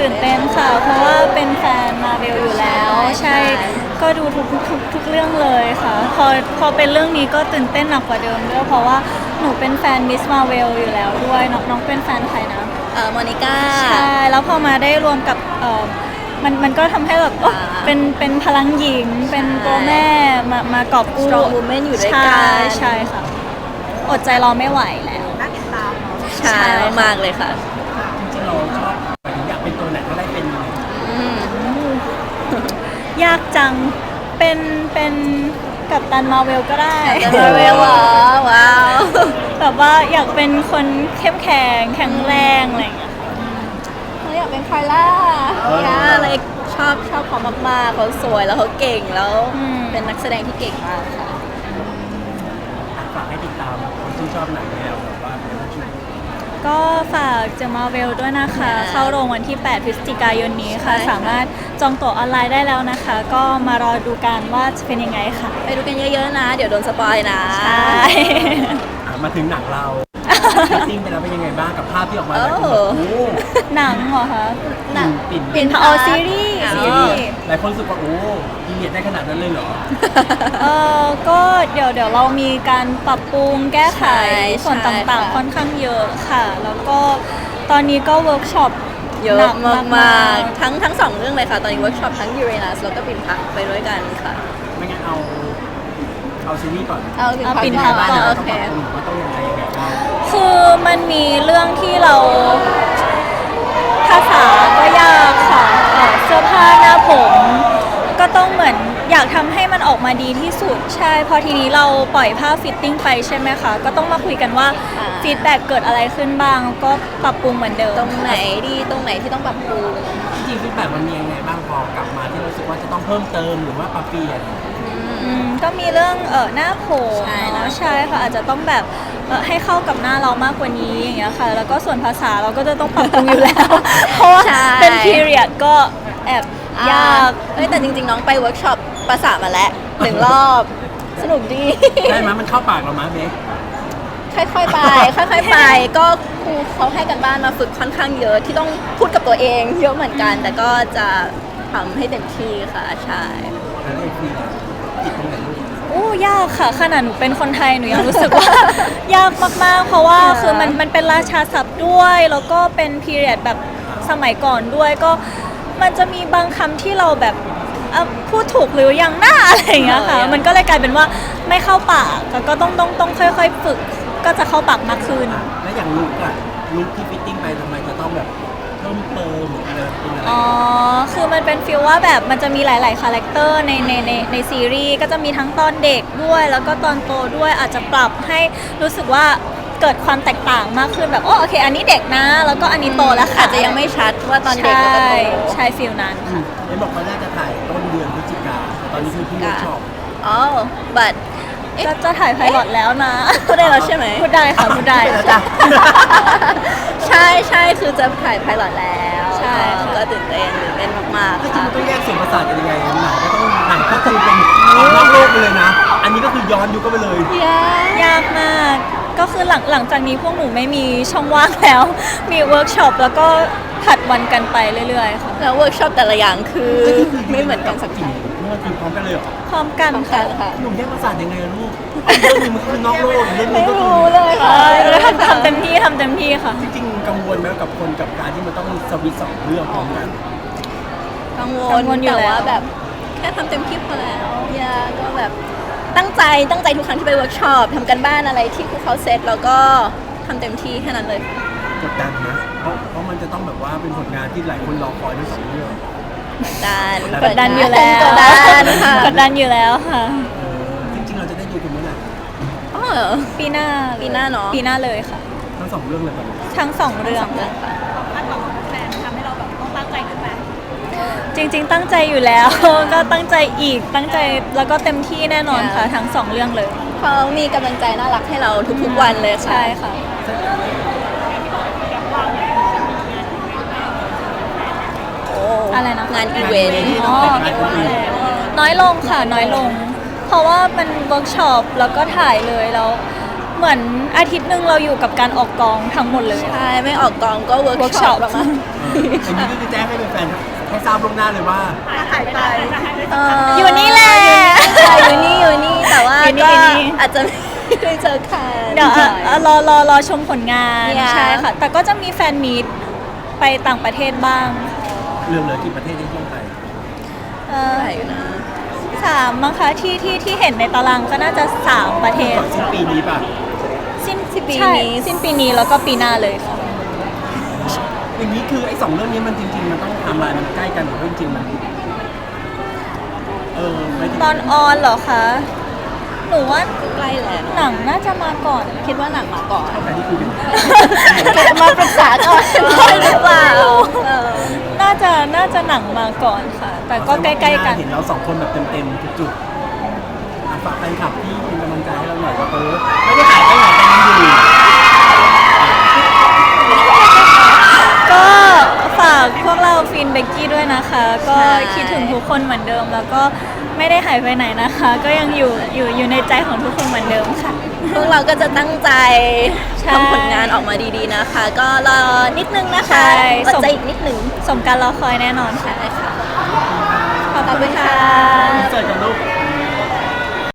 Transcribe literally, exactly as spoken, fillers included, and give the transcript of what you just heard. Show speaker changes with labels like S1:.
S1: ตื่นเต้นค่ะเพราะว่าเป็นแฟนมาเวลอยู่แล้วใช่ก็ดูทุกทุกทุกเรื่องเลยค่ะพอพอเป็นเรื่องนี้ก็ตื่นเต้นหนักกว่าเดิมด้วยเพราะว่าหนูเป็นแฟนมิสมาเวลอยู่แล้วด้วยน้องน้องเป็นแฟนใครนะ
S2: เอ่อโมนิก้า
S1: ใช่แล้วพอมาได้รวมกับเอ่อมันมันก็ทำให้แบบโอ้เป็นเป็นพลังหญิงเป็นตัวแม่มามากอบกู้
S2: strong woman อยู่ด้วยกัน
S1: ใช่ค่ะอดใจรอไม่ไหวแล้ว
S3: น่าติดตามเนาะ
S2: ใช่มากเลยค่ะ
S4: จริงๆเราชอบหมายถึงอยากเป็นตัวไหนก็ได้เป็น
S1: ยากจังเป็นเป็นกัปตันมาเวลก็ได้
S2: มาเวลว้าว
S1: แบบว่าอยากเป็นคนเข้มแข็งแข็งแรงอะไรอย่างเงี้ย
S2: เราอยากเป็นคาร่าย่าอะไรชอบชอบเขามากๆเขาสวยแล้วเขาเก่งแล้วเป็นนักแสดงที่เก่งมากค่ะ
S4: ฝากให้ติดตามคนที่ชอบหนังแนวแบบว่าเป็นผู้ช่วย
S1: ก็ฝากเจมาเวลด้วยนะคะ เข้าโรงวันที่แปดพฤศจิกายนนี้ค่ะสามารถจองตั๋วออนไลน์ได้แล้วนะคะ ก็มารอดูกันว่าจะเป็นยังไงค่ะ
S2: ไปดูกันเยอะๆนะ เดี๋ยวโดนสปอยนะ
S1: ใช่
S4: มาถึงหนังเราฟิตติ้งไปแล้วเป็นยังไงบ้างกับภาพที่ออกมาหลายคนแบบโอ้
S1: หนังเหรอคะ
S4: หนังปิ่น
S1: เป็นพอซีรีส์ซีรีส์
S4: หลายคนรู้สึกว่าโอ้ยีเนียดได้ขนาดนั้นเลยเหรอ
S1: เออก็เดี๋ยวเดี๋ยวเรามีการปรับปรุงแก้ไข
S2: ใช่
S1: ส่วน
S2: ใช่
S1: ต่าง
S2: ค่ะ
S1: ๆค่อนข้างเยอะค่ะ แล้วก็ตอนนี้ก็เวิร์กช็อป
S2: เยอะ
S1: หนัก
S2: มากๆทั้งทั้งสองเรื่องเลยค่ะ ตอนนี้เวิร์กช็อปทั้งยูเรนัสแล้วก็ปิ่นพักไปด้วยกันค่ะ
S4: ไม่งั้นเอาเอาซีรีส์ก่อน
S2: เอา
S1: เอาปิ่นพักก่อน
S4: โอ
S2: โอ
S4: เค
S2: เค
S4: ว่าต้องยังไงยังไงบ้าง
S1: คือมันมีเรื่องที่เราภาษาก็ยากค่ะเอ่อเสื้อผ้าหน้าผม ก็ต้องเหมือนอยากทำให้มันออกมาดีที่สุดใช่พอทีนี้เราปล่อยภาพฟิตติ้งไปใช่ไหมคะก็ต้องมาคุยกันว่า
S2: อ่า
S1: ฟีดแบ็กเกิดอะไรขึ้นบ้าง ก็ปรับปรุงเหมือนเดิม
S2: ตรงไหนดีตรงไหนที่ต้องปรับปรุง
S4: จริงๆฟีดแบ็กมันมียังไงบ้างพอกลับมาที่รู้สึกว่าจะต้องเพิ่มเติมหรือว่าปรับเปลี่ยน
S1: อืมก็มีเรื่องเออหน้าผม
S2: ใช่
S1: เนาะใช่ค่ะอาจจะต้องแบบเอ่อให้เข้ากับหน้าเรามากกว่านี้อย่างเงี้ยค่ะ แล้วก็ส่วนภาษาเราก็จะต้องปรับปรุงอยู่แล้ว เพราะว่าเป็น period ก็แอบยาก
S2: เอ้ยแต่จริงๆ น้องไปเวิร์กช็อปภาษามาแล้วหนึ่งรอบสนุกดี
S4: ได้ไหมมันเข้าปากเราไหมเบค
S2: ค่อยๆไป ค่อยๆไป ก็ครูเขาให้กันบ้านมาฝึกค่อนข้างเยอะที่ต้องพูดกับตัวเองเยอะเหมือนกัน แต่ก็จะทำให้เต็มที่ค่ะใช่
S4: แล้วเอกมีติดตรงไหนลูก
S1: โอ้ยากค่ะขนาดหนูเป็นคนไทยหนูยังรู้สึกว่า ยากมากๆ เพราะว่าคือมันมันเป็นราชาศัพท์ด้วย แล้วก็เป็น period แบบสมัยก่อนด้วยก็มันจะมีบางคำที่เราแบบเอ่อพูดถูกหรือยังหน้าอะไรอย่างเงี้ยค่ะ
S2: เออ
S1: มันก็เลยกลายเป็นว่าไม่เข้าปากแล้วก็ต้องต้องต้องค่อยๆฝึกก็จะเข้าปากมากขึ้น
S4: แล้วอย่างลุกอะลุกที่ฟิตติ้งไปทำไมจะต้องแบบเพิ่มเติมหรืออะไรเป็นอะไร
S1: อ๋อ คือมันเป็นฟีลว่าแบบมันจะมีหลาย ๆ คาแรคเตอร์ในในในในซีรีส์ก็จะมีทั้งตอนเด็กด้วย แล้วก็ตอนโตด้วยอาจจะปรับให้รู้สึกว่าเกิดความแตกต่างมากขึ้นแบบโอ้โอเค อันนี้เด็กนะ แล้วก็อันนี้โตแล้วค่ะ
S2: อาจจะยังไม่ชัดว่าตอนเด็กกับตอนโต
S1: ใช่ใช่ฟีลนั้น
S4: อืมเห็นบอกว่าน่าจะถ่ายต้นเดือนพฤศจิกาแต่ตอนนี้คือเพิ่งเวิร์กช็อป
S2: อ๋อ but เอ๊ะ
S1: จะจะถ่ายไพลอตแล้วนะ
S2: พูดได้แล้วใช่ไหม
S1: พูดได้ค่ะ พูดได้
S4: พูดได้แล้วจ้ะ
S2: ใช่ใช่คือจะถ่ายไพลอตแล้ว
S1: ใช่ค่ะ
S2: ก็ตื่นเต้นตื่นเต้นมาก
S4: จริ
S2: ๆ
S4: ง
S2: ค่ะ
S4: ๆมันต้องแยกส่วนประสาทกันยังไงหนังก็ต้องหนังก็คือเป็นนอกโลกไปเลยนะ อันนี้ก็คือย้อนยุคก็ไปเลย
S1: ยากมาก ก็คือหลังหลังจากนี้พวกหนูไม่มีช่องว่างแล้ว มีเวิร์กช็อปแล้วก็ผัดวันกันไปเรื่อย ๆ ค่ะ
S2: แล้วเวิร์กช็อปแต่ละอย่างคือไม่เหมือนกันสักที
S4: เมื่อคือพร้อมกันเลยเหรอ
S1: พร้อมกัน
S2: ต้อง
S1: ค่ะ
S2: การค่ะ
S4: หนุ่มแยกประสาทยังไงอะลูกเรื่องหนึงมันคือนอกโลกอีกเรื่องหนึ
S2: ไม่
S4: งก็คือ
S2: รู้เลยค่ะ
S1: ใช่แล้วทำทำเต็มที่ทำเต็มที่ค่ะ
S4: จริงๆกังวลไหมกับคนกับการที่มันต้องสวิตช์สองเรื่องพร้อมกัน
S2: กังว
S1: กั
S2: ล
S1: งวลอยู่
S2: แต่
S1: แล้ว
S2: ว่าแบบแค่ทำเต็มที่พอแล้วอย่าก็แบบตั้งใจตั้งใจทุกครั้งที่ไปเวิร์กช็อปทำกันบ้านอะไรที่ครูเขาเซตแล้วก็ทำเต็มที่แค่นั้นเลย
S4: กดดันนะเพราะเพราะมันจะต้องแบบว่าเป็นผลงานที่หลายคนรอคอยทั้งสองเรื่อง
S2: กดดัน
S1: กดดันอยู่แล้ว
S2: กดดันค่ะ
S1: กดดันอยู่แล้วค่ะ
S4: เออจริงๆเราจะได้ดูกันเมื่อไหร่
S2: อ๋อเหรอ
S1: ปีหน้า
S2: ปีหน้าเนอะ
S1: ปีหน้าเลยค่ะ
S4: ทั้งสองเรื่องเลยป่ะลูก
S1: ทั้งสองเรื่อง
S2: เรื่องค่ะ
S1: จริง ๆ ตั้งใจอยู่แล้ว ก็ตั้งใจอีกตั้งใจแล้วก็เต็มที่แน่นอนค่ะ ทั้งสองเรื่องเลย
S2: เขามีกำลังใจน่ารักให้เราทุกๆวันเลยค่ะ
S1: ใช่ค่ะ
S2: โอ้
S1: อะไรนะ
S2: งานอีเวนต์
S1: อ๋อ น้อยลงค่ะน้อยลง เพราะว่ามันเวิร์กช็อปแล้วก็ถ่ายเลยแล้วเหมือนอาทิตย์หนึ่งเราอยู่กับการออกกองทั้งหมดเลย
S2: ใช่ไม่ออกกองก็เวิร์กช็อ
S1: workshop
S2: ปประมาณ
S4: อันนี้ก็คือแจ้งให้แฟนๆให้ทราบล่วงหน้าเลยว่า
S2: หายไป
S1: อยู่นี่แหละ
S2: อยู่นี่อยู่นี่แต่ว่า
S1: อยู่นี่
S2: ก็
S1: อยู่นี่
S2: อาจจะไม่ได้เจอกัน
S1: เดี๋ยวเอ่อเอ่อรอรอรอชมผลงาน
S2: เนี่ย
S1: ใช่ค่ะ แต่ก็จะมีแฟนมีตไปต่างประเทศบ้าง
S4: เรื่องเหลือกี่ประเทศที่ต้องไป
S1: เอ่อ
S2: ใช่อยู่นะ
S1: สามมั้งคะที่ที่ที่เห็นในตารางก็น่าจะสามประเทศ
S4: ก่อนสิ้นปีนี้ป่ะ
S1: สิ้น
S2: ปี
S1: ใช่
S2: นี้
S1: สิ้นปีนี้แล้วก็ปีหน้าเลยค่ะ
S4: อย่างนี้คือไอ้สองเรื่องนี้มันจริง ๆ มันต้องไทำลายมันใกล้กันหรือว่าจริงๆมันเออไม่ถึง
S1: ตอนออนเหรอคะ หนูว่า
S2: ใกล้แล้ว
S1: หนังน่าจะมาก่อน
S2: คิดว่าหนังมาก่อน
S4: แต่ที่คุยกัน
S2: มาปรึกษาก่อนได้หรือเปล่าเออ
S1: น่าจะน่าจะหนังมาก่อนค่ะ แต่ก็ใกล้ๆกัน
S4: เห็นเราสองคนแบบเต็มๆทุกจุดอ่ะฝากแฟนคลับที่เป็นกำลังใจให้เราหน่อยว่าเออไม่ได้หายไปไหนกันยังอยู่
S1: ก็ฝากพวกเราฟินเบกกี้ด้วยนะคะ ก็
S2: ใช่
S1: คิดถึงทุกคนเหมือนเดิม แล้วก็ไม่ได้หายไปไหนนะคะ ก็ยังอยู่อยู่อยู่ในใจของทุกคนเหมือนเดิมค่ะ
S2: พวกเราก็จะตั้งใจ
S1: ใช่
S2: ทำผลงานออกมาดีๆนะคะ ก็รอนิดนึงนะคะ
S1: ใช่
S2: อด
S1: ส่ง
S2: ใจอีกนิดนึง
S1: สมการรอคอยแน่นอนค่ะ
S2: ใช่ค่ะ
S1: ขอบคุณค่ะ
S4: เจอกันลูก